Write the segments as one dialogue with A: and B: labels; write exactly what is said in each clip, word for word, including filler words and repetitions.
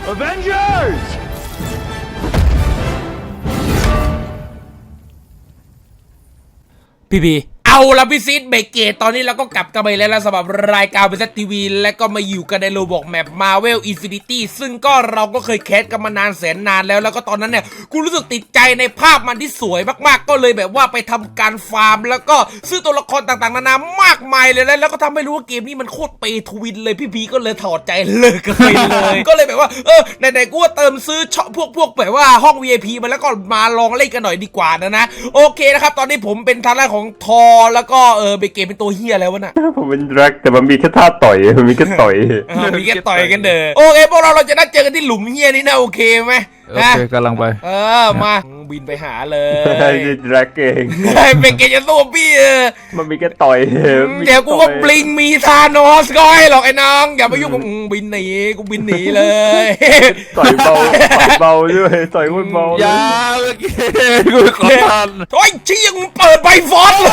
A: Avengers
B: พี่พีเอาละพี่ซีดเบเกตตอนนี้เราก็กลับกันไปแล้วนะสำหรับรายการบริษัททีวีและก็มาอยู่กันในโลบอกแมป Marvel Infinity ซึ่งก็เราก็เคยแคสกันมานานแสนนานแล้วแล้วก็ตอนนั้นเนี่ยกูรู้สึกติดใจในภาพมันที่สวยมากๆก็เลยแบบว่าไปทำการฟาร์มแล้วก็ซื้อตัวละครต่างๆนานามากมายเลยนะแล้วก็ทำให้รู้ว่าเกมนี้มันโคตรเปย์ทวินเลยพี่พีก็เลยถอดใจเลิกกันไปเลย ก็เลยแบบว่าเออไหนๆกูว่าเติมซื้อพวกพวกแบบว่าห้อง วี ไอ พี มาแล้วก็มาลองเล่นกันหน่อยดีกว่านะนะโอเคนะครับตอนนี้ผมเป็นทางด้านของทอแล้วก็เออเบเกตเป็นตัวเฮียแล้ววะน่ะ
C: ผมเป็นแร็กแต่มันมีแค่ท่าต่อยมันมีแค่ต่อย
B: มีแค่ต่อยกันเด้อโอเคพวกเราเราจะนัดเจอกันที่หลุมเฮียนี่นะโอเคไหม
D: โอเคกำลังไป
B: เออมาบินไปหาเลย
C: แร็กเอง
B: เบเกตจะสู้พี่เออ
C: มันมีแค่ต่อย
B: เดี๋ยวกูก็บลิงมีธานอสก็ให้หรอกไอ้น้องอย่าไปยุ่งกับบินหนีกูบินหนีเลย
C: ต่อยเบาต่อยเบาด้วยต่อยคนเบา
D: อย่าเมื่อกี้กูขอทัน
B: โอ้ยชี้ยังเปิดใบฟอสเลย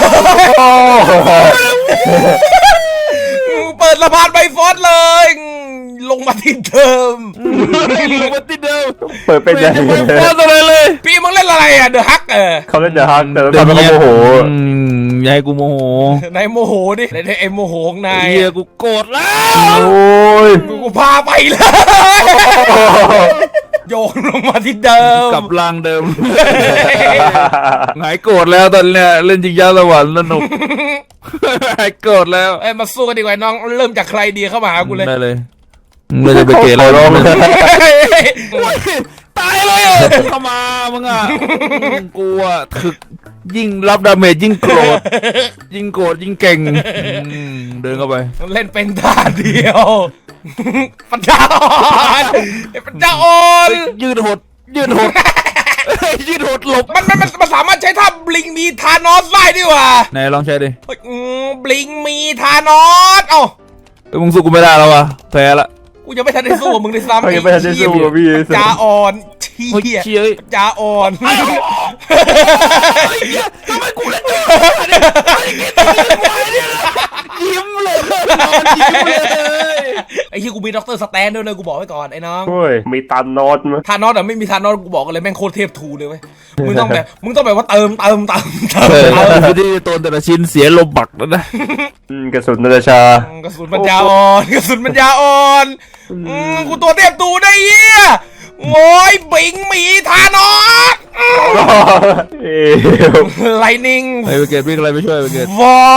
B: เปิดสะพานใบฟอสเลยลงมาที่เดิม
D: ลงมาที่เดิม
C: เปิดเป็นยังไง
D: ฟอสอะไรเลย
B: พี่มึงเล่นอะไรอ่ะเดอะฮักเออ
C: เขาเล่นเดอะฮักแต่ตอนนั้นเขาโมโห
D: ยายกูโมโห
B: นายโมโหดินายไอ้โมโหของนาย
D: เฮียกูโกรธแล้ว
C: โอ้ย
B: กูพาไปเลยโยนลงมาที่เดิม
D: กับรางเดิมหายโกรธแล้วตอนเนี้ยเล่นจริงจังสวรรค์สนุกหายโกรธแล้ว
B: เอ้ยมาสู้กันดีกว่าน้องเริ่มจากใครดีเข้ามาหากูเลย
D: ได้เลยไม่ได้ไปเกล้ร้องตายเลยเข้ามามึงอ่ะกูอ่ะถึกยิ่งรับดาเมจยิ่งโกรธยิ่งโกรธยิ่งเก่งเดินเข้าไป
B: เล่นเป็นท่าเดียวปัญญาอ่อนปัญญาอ่อน
D: ยืดหดยืดหดยืดหดหลบ
B: มันมันมันสามารถใช้ท่าบลิงมีธานอสได้ด้วยว่ะ
D: ไหนลองใช้ดิ
B: บลิงมีธานอสเอ้า
D: มึงสู้กูไม่ได้แล้ววะแพ้ละ
B: กูยังไม่ทันได้สู้มึงเลยซ้ำ
C: ไอ้ไม่ทันได้สู้กับพี่
B: จ่าอ่อนเชี่ยจ่าอ่อน
D: ทำไมกูเล่นยิ้มเลยยิ้มเลย
B: ไอ้ที่กูมีด็อกเตอร์สแตนด้วยเลยกูบอกไว้ก่อนไอ้น้อง
C: โอ้ยมีทานอสมั้ย
B: ทานอสอ่ะไม่มีทานอสกูบอกกันเลยแม่งโคตรเทพทูเลยเว้ยมึงต้องแบบมึงต้องแบบว่าเติมเติมเติมเติ
D: มไม่ได้ตัวแต่ละชิ้นเสียลมบักแล้วนะ
C: กระสุนนาฬิกาก
B: ระสุนปัญญาอ่อนกระสุนปัญญาอ่อนกูตัวเทพทูได้เหี้ยโง่ยบิงมีธานอสไลนิ่ง
D: ไอ้เกตวิ่งอะไรไม่ช่วยเกต
B: วอ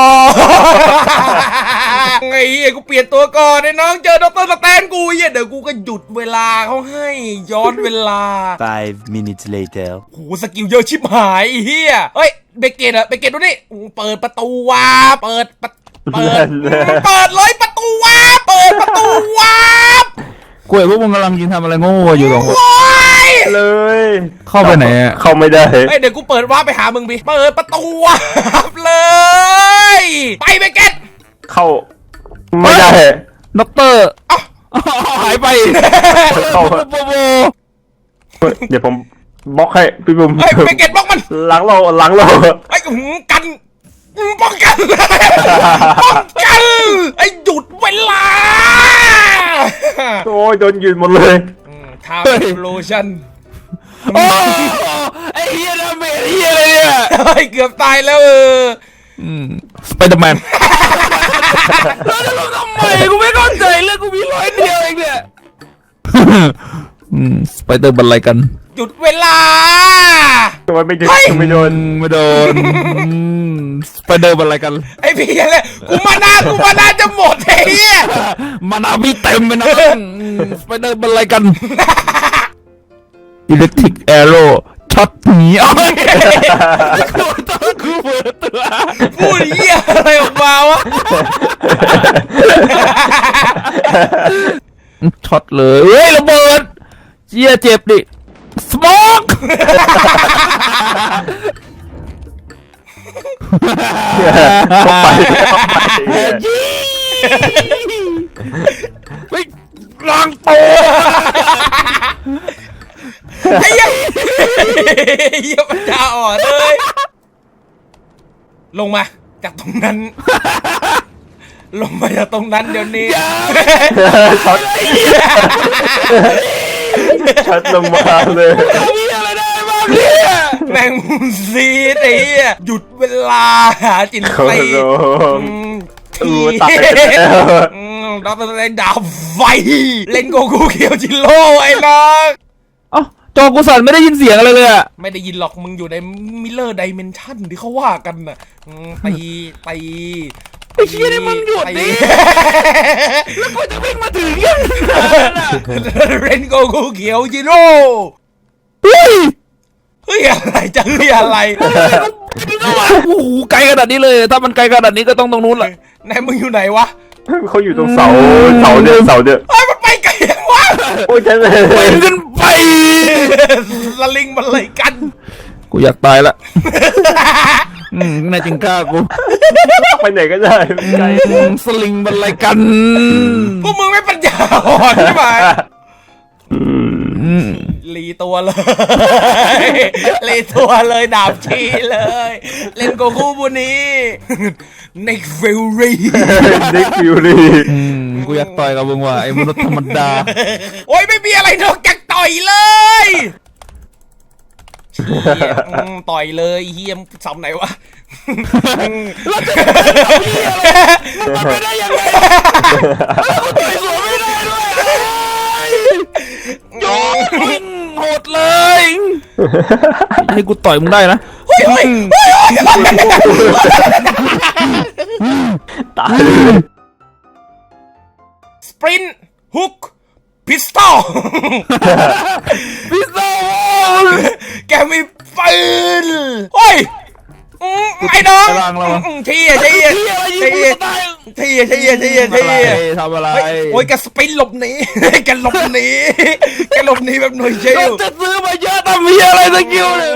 B: ไอ้เหี้ยกูเปลี่ยนตัวก่อนไอ้น้องเจอด็อกเตอร์สแตนกูเหี้ยเดี๋ยวกูก็หยุดเวลาเขาให้ย้อนเวลา
A: five minutes later
B: โหสกิลเยอะชิบหายเหี้ยเฮ้ยเบเกตอะเบเกตดูนี่เปิดประตูวาเปิดเปิดเปิดเลยประตูวาเปิดประตูวา
D: กูเห็นพวกมึงกำลังยิงทำอะไรโง่อยู่สองคน
C: เลย
D: เข้าไปไหนอ่ะ
C: เข้าไม่ได้
B: เฮ้ยเดี๋ยวกูเปิดวาร์ปไปหามึงพี่เปิดประตูวาร์ปเลยไปเบเกต
C: เข้าไม่ได้
D: ด็อกเตอร์หายไปเข้า
C: เดี๋ยวผมบล็อกให้พี่บุ๋ม
B: เฮ้ยเบเกตบล็อกมัน
C: หลังเราหลังเรา
B: ไอ้กันป้องกันป้องกันไอ้หยุดเวลา
C: โอ้ยโดนยืนหมดเลย
B: ทาวโลชั่น
D: โอ้ไอ้เฮียดาเมจเฮียอะไรเนี่ย
B: ไอ้เกือบตายแล้วเออ
D: สไปเดอร์แมนแล้วจะลงทำไมกูไม่เข้าใจเรื่องกูมีร้อยเดียวเองเนี่ยสไปเดอร์บันอะไรกัน
B: หยุดเวลา
C: ทำไมไม่โดนไม่โดน
D: ไม่โดนสไปเดอร์บันอะไรกัน
B: ไอ้พี่เลยกูมานากูมานาจะหมดไอ้เหี้ย
D: มานาพี่เต็มไปนะสไปเดอร์บันอะไรกันอิเล็กทริกแอโร่ช็อตหนีเอากูต้องกูเปิดตัว
B: พูดเหี้ยอะไรออกมาวะ
D: ช็อตเลยเฮ้ยระเบิดเจี๊ยเจ็บดิสโมก
C: ไป
D: ไปล้างโต
B: ไอ้เหี้ยเหี้ยปัญญาอ่อนเลยลงมาจากตรงนั้นลงมาจากตรงนั้นเดี๋ยวนี้
C: ช็อตชัดลงมาเลย
D: มีอะไรได้บ้างเนี่ย
B: แมงมุมซีดไอ้เหี้ยหยุดเวลาหาจิน
C: โอ้
B: ไต
C: โห
B: อืม
C: เออตายแล้ว
B: อืมดอกเตอร์สแตนดาบไฟเล่นโกกูเคียวจิโร่ไอ้น้อง
D: เอ้าจอกูสั่นไม่ได้ยินเสียงอะไรเลยอะ
B: ไม่ได้ยินหรอกมึงอยู่ในมิเลอร์ไดเมนชั่นที่เขาว่ากันน่ะอืมตีตี
D: ไอ้เชี่ยนี่มึงหยุดดิแล้วกูจะวิ่งมาถึงยังไงน่ะ
B: เล่นโกกูเขียวจิโร่
D: เฮ้ย
B: เฮ้ยอะไรจะเฮ้ยอะไร
D: โอ้โหไกลขนาดนี้เลย ถ้ามันไกลขนาดนี้ก็ต้องตรงนู้นแหละ
B: ไหนมึงอยู่ไหนวะ
C: เขาอยู่ตรงเสาเสาเนี่ยเสาเนี่ย
B: เอ้ยมันไปไกลยังวะ
C: โอ้ยฉันเลย
D: ไปขึ้นไป
B: สลิงมันเลยกัน
D: กูอยากตายละอืมนายจริงกล้ากู
C: ไปไหนก็ได้ไกล
D: อืมสลิงบันไลกัน
B: พวกมึงไม่ปัญญาอ่อนใช่ไหม
D: อืม
B: รีตัวเลย รีตัวเลยดาบชีเลย เล่นโกคูบุนี้นิกฟิลรี่
C: นิกฟิวรี่
D: อืมกูอยากต่อยกับมึงว่ะไอ้มนุษย์ธรรมดา
B: โอ้ยไม่มีอะไรนอกจากต่อยเลย เหี้ยอืมต่อยเลยเฮียมสำไหนวะ
D: มันไม่ได้ยังไงต่อยสวนไม่ได้ด้วยโยนโหดเลยให้กูต่อยมึงได้นะ
B: เฮ้ยเฮ้ยเฮ้ยเฮ้ย
C: ตายเลย
B: สปรินต์ฮุกพิสตอล
D: พิซซ่า
B: แกมีปืนโอ้ยอืมไอ้น้อง
D: กำลังเรา
B: อืมเที่ยเที่ย
D: เฮียอะไรยิง
B: เที่
D: กู
B: ย
D: ตาย
B: เที่ยเที่ยเที่ย
D: ทำอะไร
B: เที่ย
D: ทำอะไร
B: เฮ้ยโอ้ยแกสปรินต์หลบหนี แกหลบหนีแกหลบหนีแบบหน่วยเช
D: เรา
B: ล
D: จะซื้อมาเยอะทำเฮียอะไรสกิลเนี่ย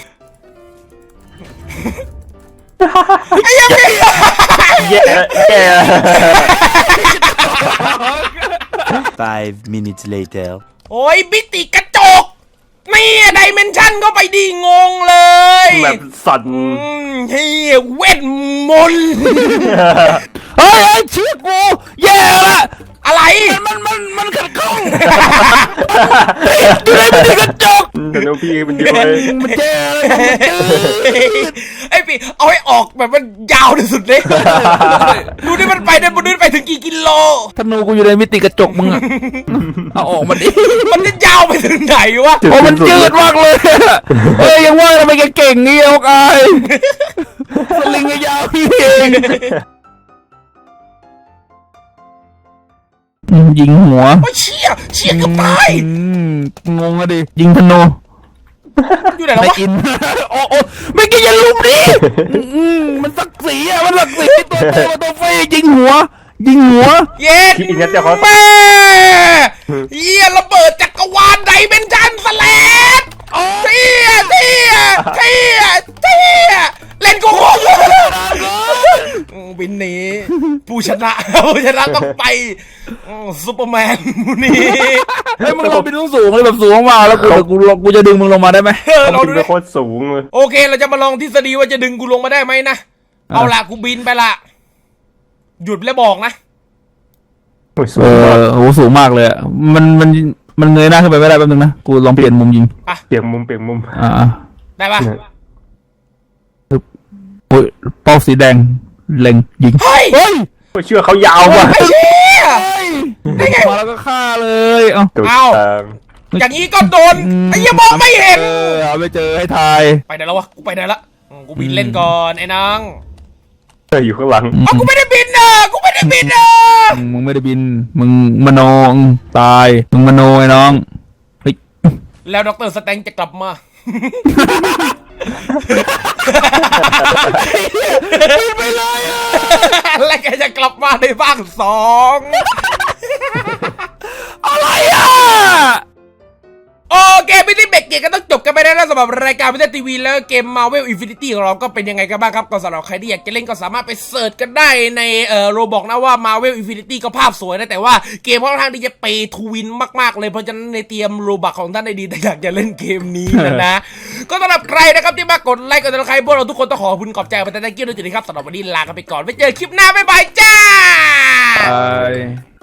B: ไอ้ยังไง
C: แย่แย่
A: Five minutes later.
B: โอ้ยบิติกระจกนี่ไดเมนชั่นก็ไปดีงงเลย
C: แบบสั่น
B: อืมเฮียเวทมนต์
D: เฮ้ยเฮ้ยเชื่อกูแย่ละ
B: อะไร
D: มันมันมันขัดข้องอยู่ในมันกระจก
C: แต่น้องพี่มันเยอะเลย
D: มันแย่เลย
B: ไอ้ปีเอาให้ออกแบบมันยาวที่สุดเลย ดูนี่มันไปได้มันไปถึงกี่กิโล
D: ธนูกูอยู่ในมิติกระจกมึงอะเอาออกมาดิ
B: มันจะยาวไปถึงไหนวะ
D: โอ้มันจืดมากเลยเฮ้ยยังว่าทำไมแกเก่งงี้ออกอายสลิงก็ยาวพี่เองยิงหัว
B: โอ้ยเชี่ยเชี่ยเกับตาย
D: อืมงงอะดิยิงธนู
B: อยู่ไหนแล้ว
D: ไม่
B: วะ
D: อินโอ้โอ้ไม่กินอย่าลุมดิอืมมันสักสีอะมันสักสีตัวโตกับตัวเฟยยิงหัว ยิงหัว
B: เย็ด
C: คิดอีกนิดเดียวเขา
B: แม่เยี่ยระเบิดจักรวาลไดเมนชันสแลดเที่ยเที่ยเที่ยเที่ยเล่นกูโคตรวินนี้ผู้ชนะผู้ชนะต้องไปอืมซูเปอร์แมนมูนี่
D: เฮ้ยมึงลงไปสูงๆเลยแบบสูงมากแล้วกูกูกูจะดึงมึงลงมาได้ไหม
B: เออ
C: เขา
B: เรา
C: บิ
B: ดู
C: น
B: ดิ
C: ไปโคตรสูงเลย
B: โอเคเราจะมาลองทฤษฎีว่าจะดึงกูลงมาได้ไหมนะ เอาล่ะกูบินไปละหยุดแล้วบอกนะ
C: โอ้ยสู
D: เอง
C: มาก
D: อโหสูงมากเลยอะมันมันมันเงยหน้าขึ้นไปไม่ได้แป๊บนึงนะกูลองเปลี่ยนมุมยิง
C: เปลี่ยนมุมเปลี่ยนมุม
D: อ่า
B: ได้ปะ
D: โอ้ยเป้าสีแดงเล็งยิง
B: เฮ้ย
D: เฮ้ย
C: โอ้ยเชื่อเขายาวว่ะ
B: ไอ้เชี่ย
D: ได้ไงมาแล้วก็ฆ่าเลยเอ้า
C: ตัว
B: เอา
C: ทาง
B: อย่างนี้ก็โดนไอ้เหี้ยมองไม่เห็น
D: เออเอาไปเจอให้ทาย
B: ไปไหนแล้ววะกูไปไหนละอืมกูบินเล่นก่อนไอ้นาง
C: เอออยู่ข้างหลัง
B: อ๋อกูไม่ได้บินเออกูไม่ได้บินเออ
D: อืมมึงไม่ได้บินมึงมโนอืมตายมึงมโนไอ้น้องเฮ้ย
B: แล้วดรสแตงจะกลับมา
D: ไปเลยอ่ะ
B: และแกจะกลับมาในภาคสอง
D: อะไรอ่ะ
B: โอเคไม่ได้เบรกเกมก็ต้องจบกันไปแล้วนะสำหรับรายการพิเศษทีวีแล้วเกม Marvel Infinity ของเราก็เป็นยังไงกันบ้างครับก็สำหรับใครที่อยากจะเล่นก็สามารถไปเสิร์ชกันได้ในเอ่อโรบอกนะว่า Marvel Infinity ก็ภาพสวยนะแต่ว่าเกมค่อนข้างที่จะเปย์ทูวินมากๆเลยเพราะฉะนั้นในเตรียมโรบักของท่านได้ดีแต่อยากจะเล่นเกมนี้นะนะ ก็สำหรับใครนะครับที่มากดไลค์กดติดตามพวกเราทุกคนต้องขอขอบคุณขอบใจไปแต่ thank you ด้วยจริงๆครับสำหรับวันนี้ลากันไปก่อนไว้เจอคลิปหน้าบ๊ายบายจ้า
D: ไป